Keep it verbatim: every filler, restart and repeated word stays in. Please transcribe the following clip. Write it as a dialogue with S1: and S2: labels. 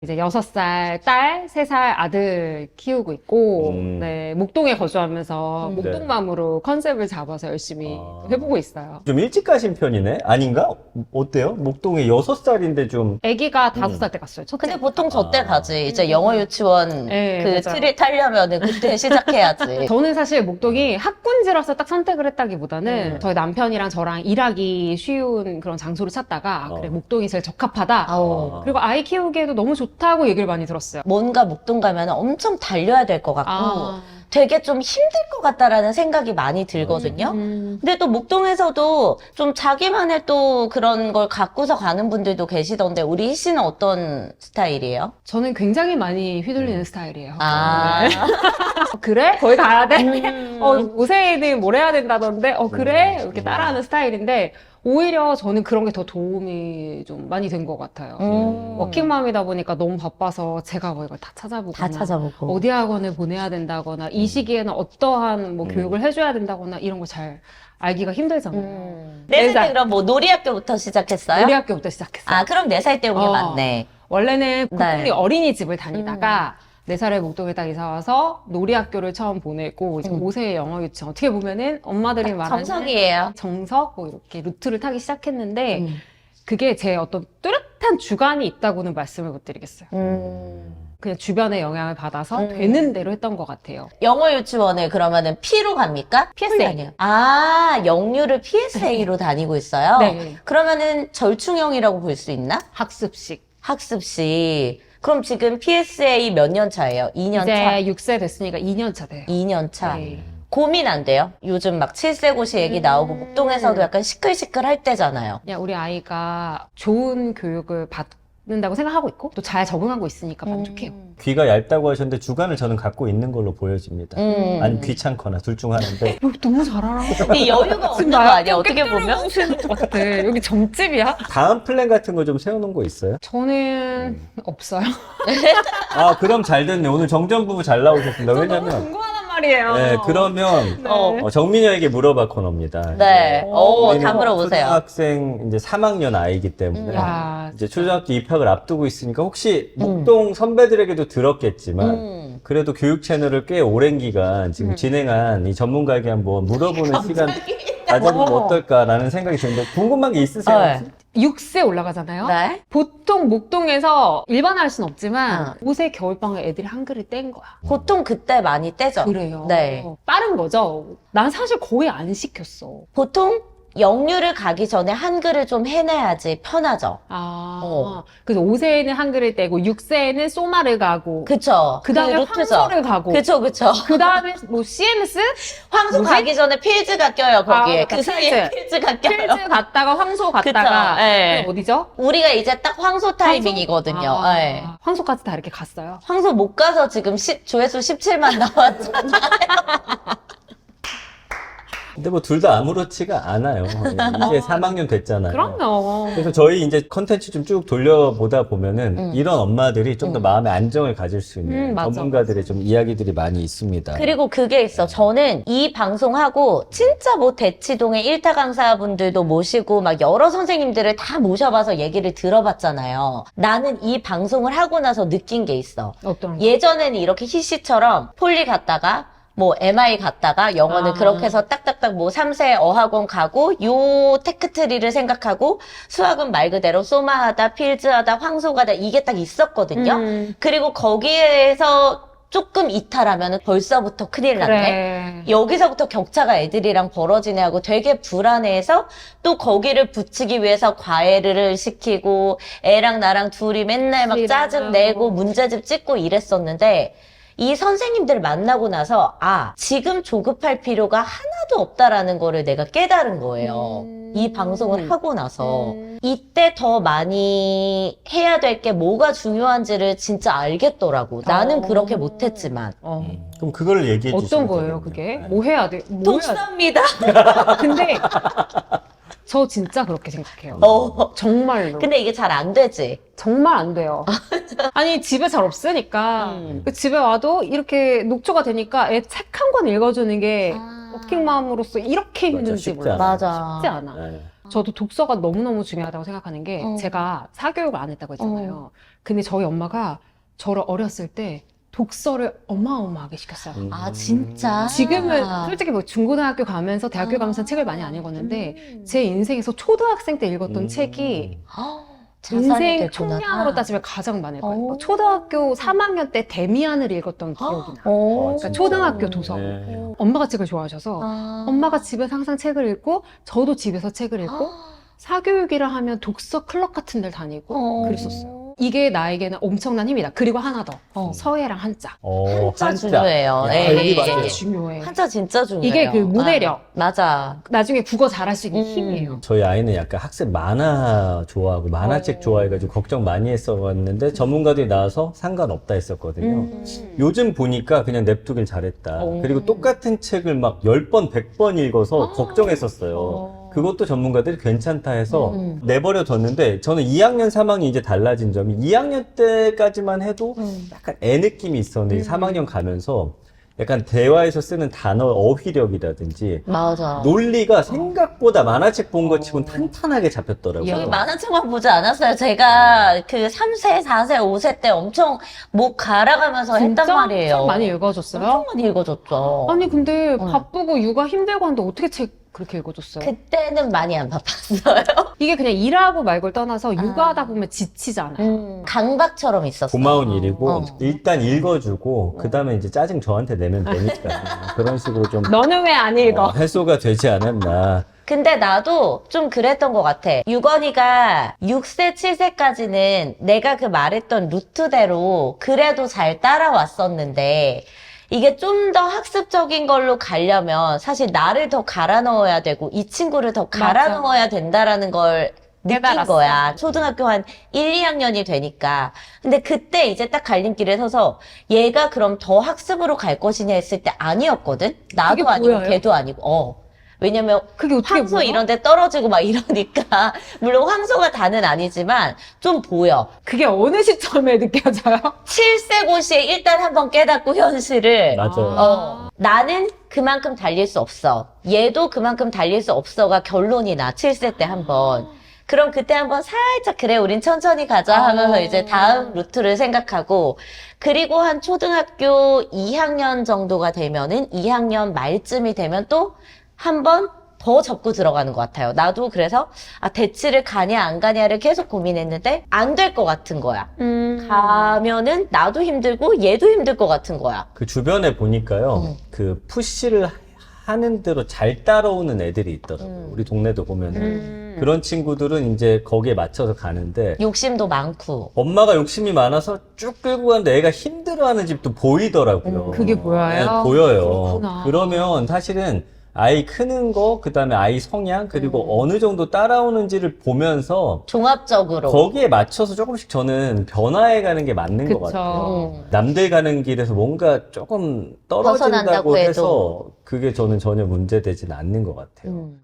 S1: 이제 여섯 살 딸, 세 살 아들 키우고 있고,
S2: 음.
S1: 네, 목동에 거주하면서
S3: 음.
S1: 목동맘으로 컨셉을 잡아서 열심히
S2: 아.
S1: 해보고 있어요.
S2: 좀 일찍 가신 편이네? 아닌가? 어때요? 목동에 여섯 살인데 좀
S1: 아기가 다섯 살 때 갔어요. 첫째.
S3: 근데 보통 저 때
S2: 아.
S3: 가지. 이제 영어 유치원
S1: 네,
S3: 그
S1: 맞아요.
S3: 틀을 타려면은 그때 시작해야지.
S1: 저는 사실 목동이 학군지라서 딱 선택을 했다기보다는
S3: 음.
S1: 저희 남편이랑 저랑 일하기 쉬운 그런 장소를 찾다가 아, 그래
S2: 어.
S1: 목동이 제일 적합하다.
S3: 아우.
S1: 그리고 아이 키우기에도 너무 좋다고 얘기를 많이 들었어요.
S3: 뭔가 목동 가면 엄청 달려야 될 것 같고
S1: 아.
S3: 되게 좀 힘들 것 같다라는 생각이 많이 들거든요.
S1: 음.
S3: 근데 또 목동에서도 좀 자기만의 또 그런 걸 갖고서 가는 분들도 계시던데 우리 희 씨는 어떤 스타일이에요?
S1: 저는 굉장히 많이 휘둘리는 스타일이에요.
S3: 아.
S1: 어, 그래? 거기 가야 돼?
S3: 음.
S1: 어, 오세이는 뭘 해야 된다던데? 어, 그래?
S2: 음.
S1: 이렇게 따라하는 스타일인데, 오히려 저는 그런 게 더 도움이 좀 많이 된 것 같아요.
S3: 음.
S1: 워킹맘이다 보니까 너무 바빠서 제가 뭐 이걸 다 찾아보거나,
S3: 다 찾아보고.
S1: 어디 학원을 보내야 된다거나, 이 시기에는 어떠한 뭐
S2: 음.
S1: 교육을 해줘야 된다거나, 이런 걸 잘 알기가 힘들잖아요.
S3: 음. 네 살 때
S1: 살.
S3: 그럼 뭐 놀이학교부터 시작했어요?
S1: 우리 학교부터 시작했어요.
S3: 아, 그럼 네 살 때 온 게
S1: 어.
S3: 맞네.
S1: 원래는 국공리
S3: 네.
S1: 어린이집을 다니다가 네 살에 목동에 딱 이사 와서 놀이학교를 처음 보내고 이제
S3: 음.
S1: 오 세의 영어 유치원 어떻게 보면은 엄마들이 말하는
S3: 정석이에요.
S1: 정석 뭐 이렇게 루트를 타기 시작했는데
S3: 음.
S1: 그게 제 어떤 뚜렷한 주관이 있다고는 말씀을 못 드리겠어요.
S3: 음.
S1: 그냥 주변의 영향을 받아서
S3: 음.
S1: 되는 대로 했던 것 같아요.
S3: 영어 유치원을 그러면은 P로 갑니까?
S1: 피에스에이.
S3: 아니요. 아, 영유를 피에스에이로 다니고 있어요?
S1: 네.
S3: 그러면은 절충형이라고 볼 수 있나?
S1: 학습식.
S3: 학습시. 그럼 지금 피에스에이 몇 년 차예요? 이 년 차?
S1: 이제 육 세 됐으니까 이 년 차 돼요.
S3: 이 년 차.
S1: 네.
S3: 고민 안 돼요? 요즘 막 칠세고시 얘기
S1: 음.
S3: 나오고 목동에서도 약간 시끌시끌 할 때잖아요.
S1: 그냥 우리 아이가 좋은 교육을 받는다고 생각하고 있고 또 잘 적응하고 있으니까 만족해요.
S3: 음.
S2: 귀가 얇다고 하셨는데 주관을 저는 갖고 있는 걸로 보여집니다.
S3: 음.
S2: 아니 귀찮거나 둘 중 하나인데
S1: 여기 너무 잘 알아.
S3: 이 여유가 없는 거 아니야? 어떻게 보면?
S1: 것 같아. 여기 점집이야?
S2: 다음 플랜 같은 거 좀 세워놓은 거 있어요?
S1: 저는 없어요.
S2: 아 그럼 잘 됐네. 오늘 정전 부부 잘 나오셨습니다.
S1: 너무
S2: 왜냐면
S1: 궁금하단 말이에요.
S2: 네 그러면
S1: 네.
S3: 어.
S2: 어, 정민여에게 물어봐 코너입니다.
S3: 네. 오,
S2: 우리는
S3: 다 물어보세요.
S2: 초등학생 이제 삼 학년 아이기 때문에
S1: 야,
S2: 이제 초등학교 입학을 앞두고 있으니까 혹시 목동 선배들에게도 들었겠지만
S3: 음.
S2: 그래도 교육 채널을 꽤 오랜 기간 지금
S1: 음.
S2: 진행한 이 전문가에게 한번 물어보는 시간 가져보면
S1: 어.
S2: 어떨까라는 생각이 드는데 궁금한 게 있으세요?
S3: 네.
S2: 혹시?
S1: 육 세 올라가잖아요.
S3: 네.
S1: 보통 목동에서 일반화할 순 없지만
S3: 어.
S1: 오 세 겨울방학 애들이 한글을 뗀 거야.
S3: 보통 그때 많이 떼죠.
S1: 그래요.
S3: 네.
S1: 빠른 거죠. 난 사실 거의 안 시켰어.
S3: 보통 영유를 가기 전에 한글을 좀 해내야지 편하죠.
S1: 아,
S3: 어.
S1: 그래서 오 세에는 한글을 떼고 육 세에는 소마를 가고
S3: 그쵸.
S1: 그 다음에
S3: 루트죠.
S1: 황소를 가고
S3: 그쵸, 그쵸.
S1: 그 다음에 뭐 씨엠에스?
S3: 황소
S1: 뭐지?
S3: 가기 전에 필즈가 껴요, 거기에.
S1: 아,
S3: 그 사이에
S1: 필즈.
S3: 필즈가 껴요.
S1: 필즈 갔다가 황소 갔다가
S3: 그쵸, 예.
S1: 어디죠?
S3: 우리가 이제 딱 황소 타이밍이거든요.
S1: 아,
S3: 예.
S1: 황소까지 다 이렇게 갔어요.
S3: 황소 못 가서 지금 시- 조회수 십칠만 나왔잖아.
S2: 근데 뭐 둘 다 아무렇지가 않아요. 이제 삼 학년 됐잖아요.
S1: 그럼요.
S2: 그래서 저희 이제 컨텐츠 좀 쭉 돌려보다 보면은
S3: 음.
S2: 이런 엄마들이 좀 더
S3: 음.
S2: 마음의 안정을 가질 수 있는
S1: 음, 맞아.
S2: 전문가들의 좀 이야기들이 많이 있습니다.
S3: 그리고 그게 있어. 저는 이 방송하고 진짜 뭐 대치동의 일타 강사분들도 모시고 막 여러 선생님들을 다 모셔봐서 얘기를 들어봤잖아요. 나는 이 방송을 하고 나서 느낀 게 있어.
S1: 어떤 거?
S3: 예전에는 이렇게 희씨처럼 폴리 갔다가 뭐 엠아이 갔다가 영어는
S1: 아.
S3: 그렇게 해서 딱딱딱 뭐 삼 세 어학원 가고 요 테크트리를 생각하고 수학은 말 그대로 소마하다 필즈하다 황소가다 이게 딱 있었거든요.
S1: 음,
S3: 그리고 거기에서 조금 이탈하면 벌써부터 큰일 났네.
S1: 그래.
S3: 여기서부터 격차가 애들이랑 벌어지네 하고 되게 불안해해서 또 거기를 붙이기 위해서 과외를 시키고 애랑 나랑 둘이 맨날 막 짜증 내고 문제집 찍고 이랬었는데 이 선생님들 만나고 나서 아 지금 조급할 필요가 하나도 없다라는 거를 내가 깨달은 거예요.
S1: 음.
S3: 이 방송을 하고 나서
S1: 음.
S3: 이때 더 많이 해야 될 게 뭐가 중요한지를 진짜 알겠더라고. 나는
S1: 어.
S3: 그렇게 못했지만.
S1: 어.
S2: 음, 그럼 그걸 얘기해 주시면
S1: 어떤 거예요,
S2: 되겠네요.
S1: 그게?
S2: 네.
S1: 뭐 해야 돼? 뭐 해야 돼?
S3: 독사입니다.
S1: 근데 저 진짜 그렇게 생각해요.
S3: 어.
S1: 정말로.
S3: 근데 이게 잘 안 되지.
S1: 정말 안 돼요. 아니, 집에 잘 없으니까.
S3: 음.
S1: 그 집에 와도 이렇게 녹초가 되니까 애 책 한 권 읽어주는 게
S3: 아.
S1: 워킹맘으로서 이렇게
S2: 맞아,
S1: 힘든지
S2: 쉽지
S1: 몰라.
S2: 않아.
S3: 맞아.
S1: 쉽지 않아.
S2: 네.
S1: 저도 독서가 너무너무 중요하다고 생각하는 게
S3: 어.
S1: 제가 사교육을 안 했다고 했잖아요. 근데 저희 엄마가 저를 어렸을 때 독서를 어마어마하게 시켰어요.
S2: 음.
S3: 아, 진짜?
S1: 지금은 솔직히 뭐 중고등학교 가면서 대학교
S3: 아.
S1: 가면서 책을 많이 안 읽었는데
S3: 음.
S1: 제 인생에서 초등학생 때 읽었던
S2: 음.
S1: 책이
S3: 헉, 자산이
S1: 인생
S3: 됐구나.
S1: 총량으로 따지면 가장 많을 거예요.
S3: 오.
S1: 초등학교 삼 학년 때 데미안을 읽었던 기억이 나.
S3: 오.
S1: 그러니까 초등학교 도서.
S2: 네.
S1: 엄마가 책을 좋아하셔서
S3: 아.
S1: 엄마가 집에서 항상 책을 읽고 저도 집에서 책을 읽고 사교육이라 하면 독서 클럽 같은 데를 다니고
S3: 어.
S1: 그랬었어요. 이게 나에게는 엄청난 힘이다. 그리고 하나 더.
S3: 어.
S1: 서예랑 한자.
S2: 어,
S3: 한자 중요해요.
S2: 야,
S3: 예,
S2: 여기
S3: 예,
S2: 맞아요.
S3: 예.
S1: 중요해.
S3: 한자 진짜 중요해요.
S1: 이게 그 문해력.
S3: 아, 맞아.
S1: 나중에 국어 잘할 수 있는
S3: 음.
S1: 힘이에요.
S2: 저희 아이는 약간 학습 만화 좋아하고 만화책
S3: 어.
S2: 좋아해가지고 걱정 많이 했었는데 전문가들이 나와서 상관없다 했었거든요.
S1: 음.
S2: 요즘 보니까 그냥 냅두길 잘했다.
S3: 오.
S2: 그리고 똑같은 책을 막 십 번, 백 번 읽어서
S1: 아.
S2: 걱정했었어요.
S3: 어.
S2: 그것도 전문가들이 괜찮다 해서
S3: 음.
S2: 내버려 뒀는데 저는 이 학년, 삼 학년 이제 달라진 점이 이 학년 때까지만 해도
S3: 음.
S2: 약간 애 느낌이 있었는데
S1: 음.
S2: 삼 학년 가면서 약간 대화에서 쓰는 단어 어휘력이라든지
S3: 맞아.
S2: 논리가 생각보다 만화책 본 것 치곤 탄탄하게 잡혔더라고요.
S1: 야.
S3: 저희 만화책만 보지 않았어요. 제가 그 삼 세, 사 세, 오 세 때 엄청 목 갈아가면서 했단 말이에요.
S1: 책 많이 읽어줬어요?
S3: 엄청 많이 읽어줬죠.
S1: 아니 근데
S3: 어.
S1: 바쁘고 육아 힘들고 하는데 어떻게 책 그렇게 읽어줬어요?
S3: 그때는 많이 안 바빴어요.
S1: 이게 그냥 일하고 말고를 떠나서 육아하다
S3: 아.
S1: 보면 지치잖아요.
S3: 음, 강박처럼 있었어.
S2: 고마운 일이고
S3: 어.
S2: 일단 읽어주고 그 다음에 이제 짜증 저한테 내면 되니까 그런 식으로 좀
S1: 너는 왜 안 읽어?
S2: 어, 해소가 되지 않았나.
S3: 근데 나도 좀 그랬던 것 같아. 유건이가 육 세, 칠 세까지는 내가 그 말했던 루트대로 그래도 잘 따라왔었는데 이게 좀 더 학습적인 걸로 가려면 사실 나를 더 갈아 넣어야 되고 이 친구를 더 갈아
S1: 맞아.
S3: 넣어야 된다라는 걸 느낀
S1: 깨달았어.
S3: 거야. 초등학교 한 일, 이 학년이 되니까. 근데 그때 이제 딱 갈림길에 서서 얘가 그럼 더 학습으로 갈 것이냐 했을 때 아니었거든? 나도
S1: 그게
S3: 아니고
S1: 보여요?
S3: 걔도 아니고. 어. 왜냐면
S1: 그게 어떻게
S3: 황소
S1: 보여?
S3: 이런 데 떨어지고 막 이러니까 물론 황소가 다는 아니지만 좀 보여.
S1: 그게 어느 시점에 느껴져요?
S3: 칠 세 고시에 일단 한번 깨닫고 현실을
S2: 맞아요.
S3: 어, 나는 그만큼 달릴 수 없어. 얘도 그만큼 달릴 수 없어가 결론이 나. 칠 세 때 한번. 그럼 그때 한번 살짝 그래 우린 천천히 가자 하면서
S1: 아.
S3: 이제 다음 루트를 생각하고 그리고 한 초등학교 이 학년 정도가 되면은 이 학년 말쯤이 되면 또 한 번 더 접고 들어가는 것 같아요. 나도 그래서 아 대치를 가냐 안 가냐를 계속 고민했는데 안 될 것 같은 거야.
S1: 음.
S3: 가면은 나도 힘들고 얘도 힘들 것 같은 거야.
S2: 그 주변에 보니까요,
S3: 음.
S2: 그 푸시를 하는 대로 잘 따라오는 애들이 있더라고요.
S3: 음.
S2: 우리 동네도 보면은.
S1: 음.
S2: 그런 친구들은 이제 거기에 맞춰서 가는데,
S3: 욕심도 많고.
S2: 엄마가 욕심이 많아서 쭉 끌고 가는데 애가 힘들어하는 집도 보이더라고요.
S3: 음,
S1: 그게 보여요?
S2: 네, 보여요.
S1: 그렇구나.
S2: 그러면 사실은 아이 크는 거, 그 다음에 아이 성향, 그리고
S3: 음.
S2: 어느 정도 따라오는지를 보면서
S3: 종합적으로.
S2: 거기에 맞춰서 조금씩 저는 변화해 가는 게 맞는 것
S1: 그쵸.
S2: 같아요.
S3: 음.
S2: 남들 가는 길에서 뭔가 조금 떨어진다고
S3: 벗어난다고 해도.
S2: 해서 그게 저는 전혀 문제되진 않는 것 같아요.
S3: 음.